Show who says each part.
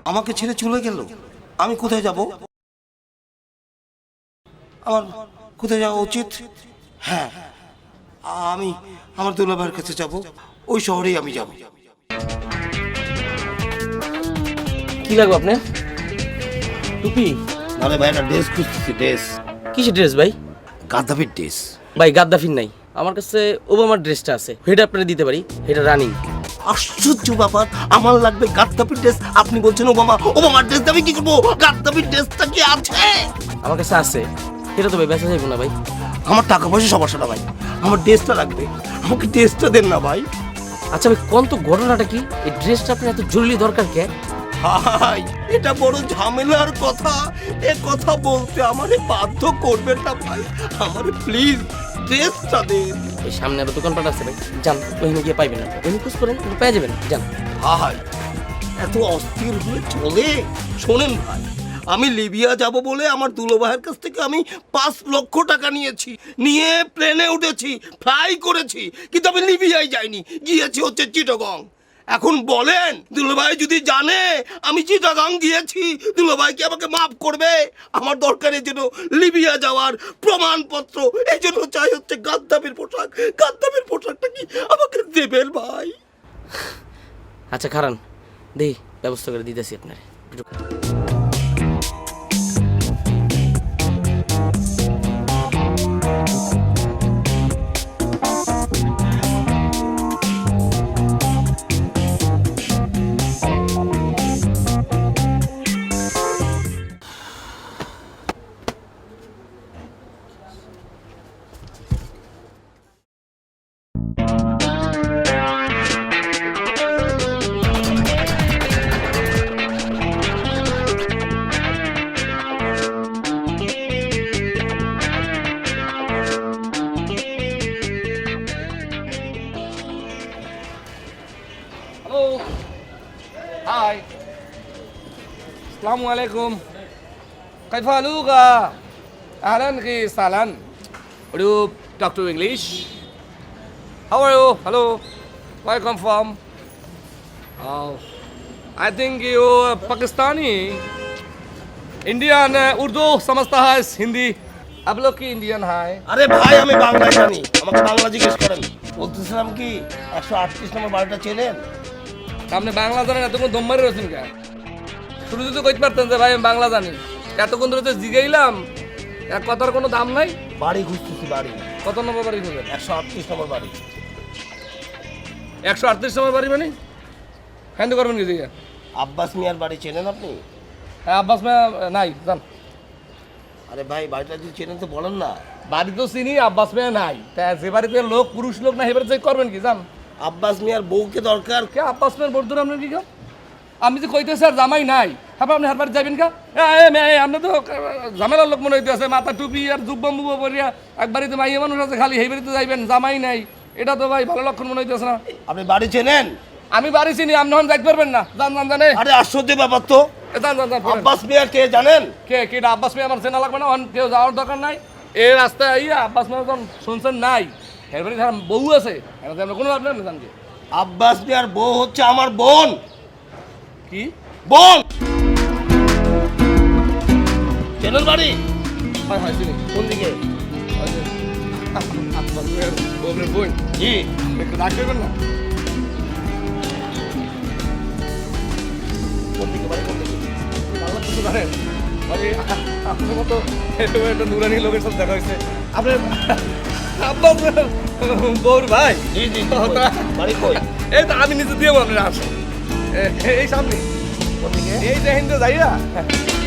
Speaker 1: আমাকে ছেড়ে চলে গেল। আমি কোথায় যাব? আমার কোথায় যাওয়া উচিত? হ্যাঁ, আমি আমার দুলাভাইয়ের কাছে যাব। ওই শহরেই আমি যাব।
Speaker 2: কি লাগবে আপনার? টুপি?
Speaker 1: নালে ভাই একটা ড্রেস খুঁজতেছি। ড্রেস?
Speaker 2: কিসের ড্রেস ভাই?
Speaker 1: গাদ্দাফির ড্রেস।
Speaker 2: ভাই গাদ্দাফির নাই, আমার কাছে ওবামার ড্রেসটা আছে, সেটা আপনারা দিতে পারি, এটা রানিং।
Speaker 1: আশ্চর্য ব্যাপার, আমার লাগবে গাদ্দাফির ড্রেস, আপনি বলছেন ওবামার ড্রেস আমি কি করবো? গাদ্দাফির ড্রেসটা কি আছে?
Speaker 2: আমার কাছে আছে, এটা তো ভাই বেচা যাবে না ভাই।
Speaker 1: আমার টাকা পয়সা সমস্যা না ভাই, আমার ড্রেসটা লাগবে, আমাকে ড্রেসটা দেন না ভাই।
Speaker 2: আচ্ছা ভাই কোন তো ঘটনাটা কি? এই ড্রেসটা আপনার এত জরুরি দরকার কে?
Speaker 1: ভাই এটা বড় ঝামেলার কথা, এ কথা বলতে আমারে বাধ্য করবেন না ভাই, আমারে প্লিজ ড্রেসটা দেন।
Speaker 2: এই সামনে আরো দোকানপাট আছে ভাই, যান ওইখানে গিয়ে পাইবেন না, এমনি খোঁজ করেন পেয়ে যাবেন, যান।
Speaker 1: ভাই এত অস্থির হয়ে চলে? শোনেন ভাই, আমি লিবিয়া যাব বলে আমার দুলোভাইয়ের কাছ থেকে আমি 5 লক্ষ টাকা নিয়েছি, নিয়ে প্লেনে উঠেছি, ফ্লাই করেছি, কিন্তু আমি লিবিয়ায় যাইনি, গিয়েছি হচ্ছে চিটাগং। এখন বলেন দুলোভাই যদি জানে আমি চিটাগং গিয়েছি, দুলোভাই কি আমাকে মাফ করবে? আমার দরকার এই জন্য লিবিয়া যাওয়ার প্রমাণপত্র, এই জন্য চাই হচ্ছে গাদ্দাফির পোশাক। গাদ্দাফির পোশাকটা কি আমাকে দেবেন ভাই?
Speaker 2: আচ্ছা খারান, দেখি ব্যবস্থা করে দিতেছি আপনার।
Speaker 3: Hello. Hi. Assalamu alaikum. كيف حالك؟ أهلا وسهلا. Would you talk to English? How are you? Hello. Where you come from? Oh, I think you Pakistani. Indian Urdu समझता है हिंदी. आप लोग की इंडियन है.
Speaker 1: আরে ভাই আমি বাংলা জানি, আমাকে বাংলা জিজ্ঞেস করেন। বলতেছিলাম কি 138 নম্বর বাড়িটা চেনেন?
Speaker 3: আপনি বাংলা জানেন, এতক্ষণ দম মারি রয়েছেন কে? শুরু যদি কইতে পারতেন যে ভাই আমি বাংলা জানি, এতক্ষণ ধরে তো জিগাইলাম, এক কথার কোনো দাম নাই।
Speaker 1: বাড়ি খুঁজতেছি, বাড়ি।
Speaker 3: কত নম্বর বাড়ি খুঁজবেন?
Speaker 1: 138 নম্বর বাড়ি।
Speaker 3: 138 নম্বর বাড়ি মানে হ্যান্ড করবেন কি জিগা?
Speaker 1: আব্বাস মিয়ার বাড়ি চেনেন আপনি?
Speaker 3: হ্যাঁ আব্বাস মিয়া নাই জান।
Speaker 1: আরে ভাই বাড়িটা যদি চেনেন তো বলেন না।
Speaker 3: বাড়ি তো চিনি, আব্বাস মিয়া নাই, তা যে বাড়িতে লোক পুরুষ লোক না এবারে চেক করবেন কি জান?
Speaker 1: আব্বাস মিয়ার বউকে দরকার।
Speaker 3: কে আব্বাস মিয়ার বর্ধুর আপনার কি কাম? আমি যে কইতে স্যার জামাই নাই, হ্যাঁ আপনি হার বাড়ি যাবেন কা? আপনি তো ঝামেলার লোক মনে হইতে আছে, মাথা টুপি আর জুব্বা মুব্বা পরিয়া এক বাড়িতে মাইয়া মানুষ আছে খালি, সেই বাড়িতে যাইবেন, জামাই নাই, এটা তো ভাই ভালো লক্ষণ মনে হইতেছে না।
Speaker 1: আপনি বাড়ি চেনেন?
Speaker 3: আমি বাড়ি চিনি, আপনি হন যাইতে পারবেন না, জান জান জানে।
Speaker 1: আরে আশ্চর্য ব্যাপার তো।
Speaker 3: জান জান জান।
Speaker 1: আব্বাস মিয়া কে জানেন?
Speaker 3: কে কেটা আব্বাস মিয়া আমার চেনা লাগবে না, কেউ যাওয়ার দরকার নাই। এই রাস্তায় আইয়া আব্বাস মিয়া যখন শুনছেন নাই, এরপরে যারা বউ আছে এটাতে আমরা কোনো আপনার জান কি?
Speaker 1: আব্বাস মিয়ার বউ হচ্ছে আমার বোন।
Speaker 3: কি
Speaker 1: বোন চেনেন বাড়ি?
Speaker 3: হয় হয় চিনি।
Speaker 1: কোন দিকে?
Speaker 3: ওই যে, আব্বাস মিয়ার বউয়ের বোন।
Speaker 1: জি।
Speaker 3: একটু ডাক দেবেন না?
Speaker 1: কোন দিকে বাড়ি, কোন দিকে?
Speaker 3: বাংলা কিছু জানেন ভাই? আপনার মতো একটা নুরানি লোকের সাথে দেখা হয়েছে। আপনার আব্বাস মিয়ার বউর ভাই?
Speaker 1: জি জি জি, কই? বাড়ি কই?
Speaker 3: এই তো আমি নিজে দিয়ে আপনার আসে এই সামনে
Speaker 1: কোন দিকে?
Speaker 3: এই যে হিন্দু যাইয়া